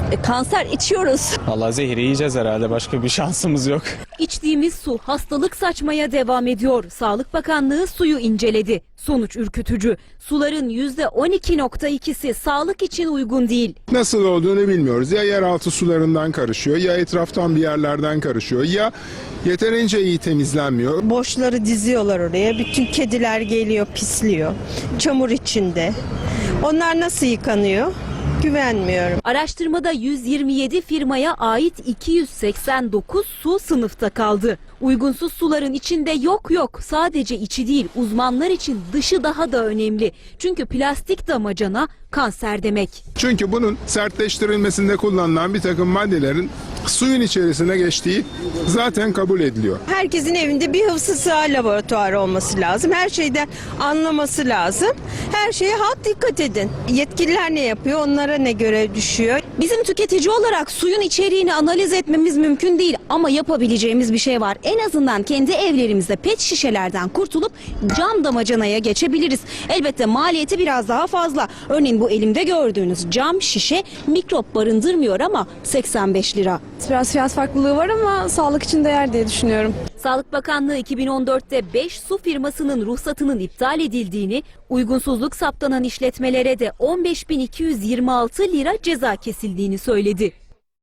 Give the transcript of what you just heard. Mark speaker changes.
Speaker 1: Kanser içiyoruz.
Speaker 2: Vallahi zehri yiyeceğiz herhalde, başka bir şansımız yok.
Speaker 1: İçtiğimiz su hastalık saçmaya devam ediyor. Sağlık Bakanlığı suyu inceledi. Sonuç ürkütücü. Suların %12.2'si sağlık için uygun değil.
Speaker 3: Nasıl olduğunu bilmiyoruz. Ya yeraltı sularından karışıyor, ya etraftan bir yerlerden karışıyor, ya yeterince iyi temizlenmiyor.
Speaker 4: Boşları diziyorlar oraya. Bütün kediler geliyor, pisliyor. Çamur içinde. Onlar nasıl yıkanıyor? Güvenmiyorum.
Speaker 1: Araştırmada 127 firmaya ait 289 su sınıfta kaldı. Uygunsuz suların içinde yok sadece içi değil, uzmanlar için dışı daha da önemli. Çünkü plastik damacana kanser demek.
Speaker 3: Çünkü bunun sertleştirilmesinde kullanılan bir takım maddelerin suyun içerisine geçtiği zaten kabul ediliyor.
Speaker 4: Herkesin evinde bir hıfzı sığa laboratuvarı olması lazım. Her şeyden anlaması lazım. Her şeye halk dikkat edin. Yetkililer ne yapıyor? Onlara ne görev düşüyor?
Speaker 1: Bizim tüketici olarak suyun içeriğini analiz etmemiz mümkün değil ama yapabileceğimiz bir şey var. En azından kendi evlerimizde pet şişelerden kurtulup cam damacanaya geçebiliriz. Elbette maliyeti biraz daha fazla. Örneğin bu elimde gördüğünüz cam şişe mikrop barındırmıyor ama 85 lira.
Speaker 5: Biraz fiyat farklılığı var ama sağlık için değer diye düşünüyorum.
Speaker 1: Sağlık Bakanlığı 2014'te 5 su firmasının ruhsatının iptal edildiğini, uygunsuzluk saptanan işletmelere de 15.226 lira ceza kesildiğini söyledi.